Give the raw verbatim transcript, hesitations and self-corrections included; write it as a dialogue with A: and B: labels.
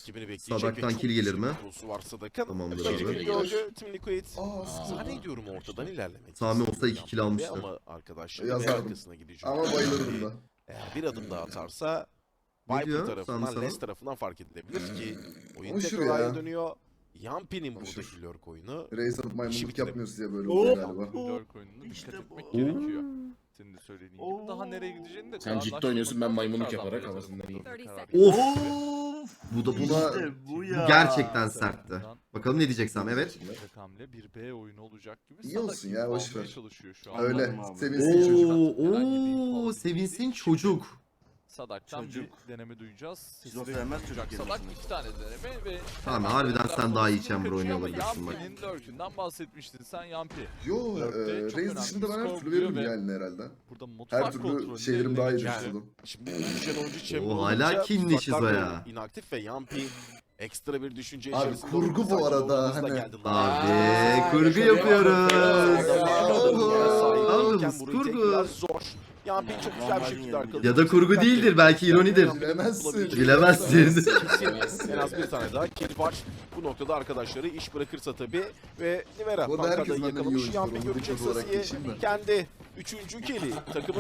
A: rakibini bekleyecek.
B: Sadak'tan kill gelir mi?
A: Var Sadak'ın.
B: Tamamdır
A: Rakibini
B: abi.
A: gördü. Team Liquid.
C: Aa,
A: Zannediyorum ortadan ilerlemek.
B: Sami olsa
A: istiyor
B: iki kill
A: Yampiri
B: almıştı.
A: Ama arkadaşlar
C: Yazardım.
A: arkasına gidecek.
C: Ama bayılırdım da.
A: Eğer bir adım daha atarsa
B: Ne
A: Viper
B: diyor
A: tarafından,
B: Sami sana?
A: Les tarafından fark edilebilir ki oyun
C: Hoşur
A: tekrar
C: ya.
A: aya dönüyor. Yampi'nin buradaki
C: Hoşur.
A: lurk oyunu.
C: Reis alıp maymunluk
A: bitirelim.
C: yapmıyoruz diye böyle oluyor galiba.
D: Lurk oyununa dikkat
E: İşte
D: etmek
E: bu.
D: gerekiyor. Senin de söylediğin gibi. Daha nereye gideceğini de
F: Sen
D: daha
F: ciddi
D: anlaşılmadan
F: oynuyorsun, ben maymunluk
D: tekrardan
F: yaparak
D: bir
F: havasından
D: yazarım.
F: yiyeyim.
D: Karar
B: Of!
E: Of.
B: Bu da buna
E: İşte bu ya.
B: gerçekten sertti. Bakalım ne diyecek Sami, evet.
D: Tek hamle bir B oyunu olacak gibi.
C: İyi
D: Sadak
C: olsun
D: gibi
C: ya, boş
D: almaya
C: ver.
D: çalışıyor şu an.
C: Öyle.
E: Anladım abi.
C: Sevinsin çocuk.
B: Oo, oo, sevinsin çocuk.
D: Sadak'tan
E: Çocuk.
D: bir deneme duyacağız.
E: Şizofren
D: Sesini
E: sevmez
D: duyacak.
E: çocuk
D: Sadak
E: kelimesini.
D: iki tane deneme ve...
B: Tamam, harbiden sen daha iyi chamber oynuyor olabilirsin bak.
D: Yampi'nin lurk'ünden bahsetmiştin sen Yampi.
C: Yo,
D: Lurk'te
C: e,
D: çok
C: Reis
D: önemli
C: dışında ben her
D: skor
C: türlü veririm
D: buluyor ve
C: yani herhalde.
D: Burada mutfak
C: Her türlü
D: kontrolünü
C: şeylerim
D: eline
C: daha iyi
D: geçirdi.
C: düşürdüm.
A: Şimdi düşen oyuncu Chamber
B: Oo,
A: olunca
B: hala kinli
A: tuzaklar
B: şizo
A: da
B: ya.
A: inaktif ve Yampi ekstra bir düşünce
C: Abi,
A: içerisinde.
C: kurgu
A: oldu.
C: bu arada,
A: Sakin
C: hani-
A: geldi.
B: Abi, kurgu
A: şöyle
B: yapıyoruz.
A: Yalnız
B: Yalnız kurgu.
A: Zor. Yampi çok güzel bir şekilde arkaladı.
B: Ya da kurgu değildir, belki ironidir.
C: Bilemezsin.
B: Bilemezsin.
A: En az bir tane daha kill var. Bu noktada arkadaşları iş bırakırsa tabii ve Nivera
C: Bu arada herkes
A: Pankada'yı
C: benden iyi
A: yakalamış.
C: oyuncudur,
A: Yampi
C: onu
A: görecek
C: bir olarak
A: Sasi'ye
C: geçeyim ben.
A: kendi üçüncü kill'i takımı